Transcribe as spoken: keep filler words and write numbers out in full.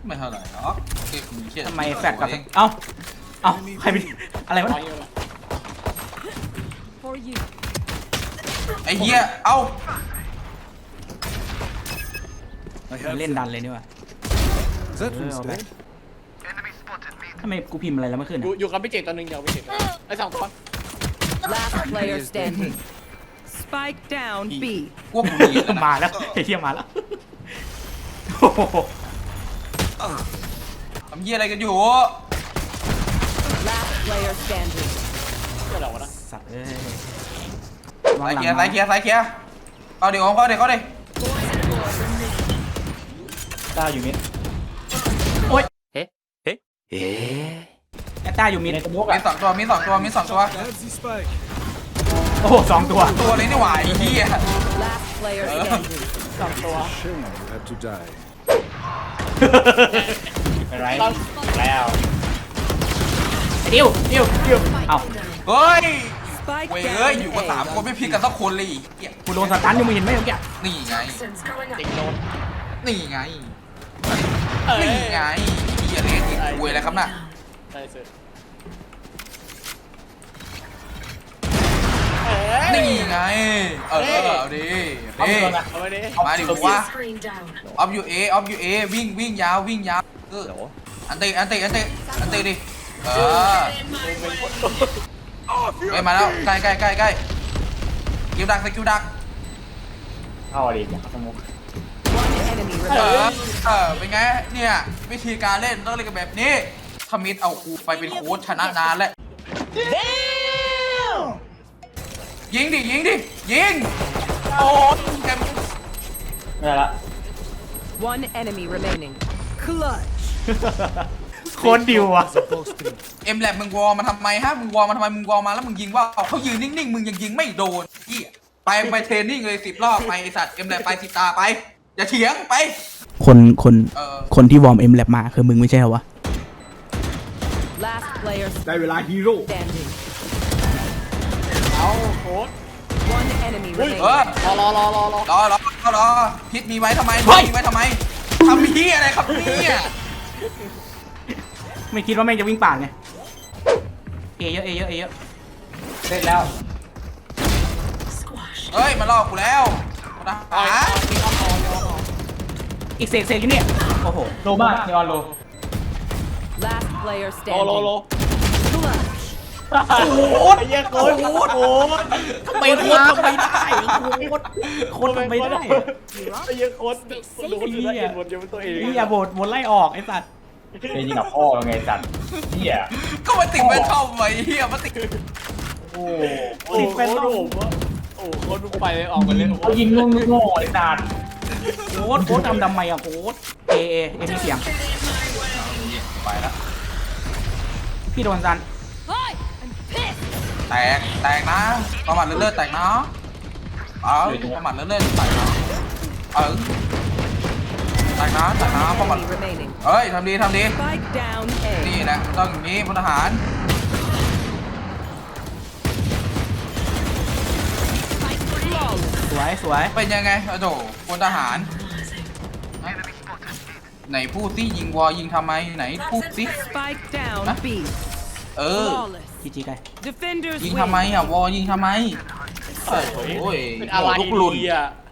ไม่เท่าไหร่หรอกทำไมแฟดกับเอ้าเอ้าใครเป็นอะไรวะไอ้เหี้ยเอ้าเล่นดันเลยนี่วะทำไมกูพิมพ์อะไรแล้วไม่ขึ้นอยู่กับพี่เจตตัวหนึ่งเดียวพี่เจไอ้สองตัว Last player standing. Spike down B. พวกมึงหนีกันมาแล้วไอ้เหี้ยมาแล้วทำเหี้ยอะไรกันอยู่ Last player standing. ก็เดานะสัตว์เอ้ยสายเคียร์สายเคียร์สายเคียร์เอาดิเอาดิเอาดิต้าอยู่มิดโอ้ยเฮ้เฮ้เฮ้แอตต้าอยู่มิดในสมุกมีอ่ะสองตัวมีสองตัวมีสองตัวโอ้โหสองตัวตัวนี้นี่หว่าไอ้เหี้ย Last player standing. สองตัวอะไรแล้วไอ้ดิวดิวดิวเอ้าเฮ้ย Spike เว้ยเอ้ย down อยู่กันสามคน A. ไม่พิกกันสักคนเลยเหี้ยกูโดนสตันอยู่มึงเห็นไหมเมื่อกี้นี่ไงติดโดนนี่ไงเอ้ยนี่ไงเหี้ยเล่นอีกเว้ยอะไรครับน่ะได้สินี่ไงเออเอาดิเอาดิเอาไปดิมาดิวะออฟยูเอออฟยูเอวิ่งวิ่งยาววิ่งยาวเอออันเตอันเตอันเตอันเตดิเออไปมาแล้วใกล้ใกล้ใกล้ใกล้คิวดักสกิลดักเข้าดิสมุก One enemy เออ remaining. เออเป็นไงเนี่ยวิธีการเล่นต้องเล่นกันแบบนี้ทมิดเอากูไปเป็นโค้ชชนะนานแล้วยิงดิยิงดิยิงโอ้แกไม่ได้ละ One enemy remaining. Clutch. โคตรดิวอ่ะเอ็มแลบมึงวอลมาทำไมฮะมึงวอลมาทำไมมึงวอลมาแล้วมึงยิงว่าเขายืนนิ่งๆมึงยังยิงไม่โดนเหี้ยไปไปเทรนนิ่งเลยสิบรอบไปไอสัตว์เอ็มแลบไปสิบตาไปอย่าเถียงไปคนคนเออคนที่วอร์มเอ็มแลบมาคือมึงไม่ใช่เหรอวะ Last player ได้เวลาฮีโร่ standing. เอาโค้ด One enemy เอ remaining. อรอรอรอรอรอรอรอรอรอพิษมีไว้ทำไมเฮ้ยมีไว้ทำไมทำพี่อะไรครับเนี่ยไม่คิดว่าแม่งจะวิ่งป่านไงเอเยอะเอเยอะเอเยอะเสร็จแล้วเฮ้ยมาล่อกูแล้วนะเอาหาเอาที่เอาเอาเอาอีกเศษเศษอยู่เนี่ยโอ้โหโลมากนีออนโล Last player โลโล standing. โล Clutch. โคตรไอ้เหี้ยโค้ดโค้ดโค้ดทำไมโคตรทำไมได้โคตรโคตรทำไมได้ไอ้เหี้ยโค้ดดูคนอื่นได้เห็นหมดยังเป็นตัวเองนี่อย่าโบดโบดไล่ออกไอ้สัตว์ไปยิงกับพ่อไงจัดเฮียก็มาติดไม่เข้าไว้เฮียมาติดโอ้โอ้โหโค้ดผมว่าโอ้โหโค้ดมึงไปเลยออกไปเลยเขายิงงงงงไอ้จัดโคตรโคตรทำทำไมอะโคตรเอเอเอมีเสียงไปแล้วพี่โดนซันแตกแตกนะประมาทเลื่อนๆแตกนะเออประมาทเลื่อนๆแตกนะเออแตกนะแตกนะประมาท Enemy remaining. เฮ้ยทำดีทำดี Spike down นี่ A. แหละต้องอย่างนี้พลทหารสวยสวยเป็นยังไงโอ้โหพลทหารไหนพูดสิยิงวอยิงทำไมไหนพูดสิ Spike down Huh? B. เออ Flawless. จีจีไก Defenders ยิง win. ทำไมอ่ะวอยิงทำไมโอ้ยเป็นอะไรลูกหลุนดีอ่ะ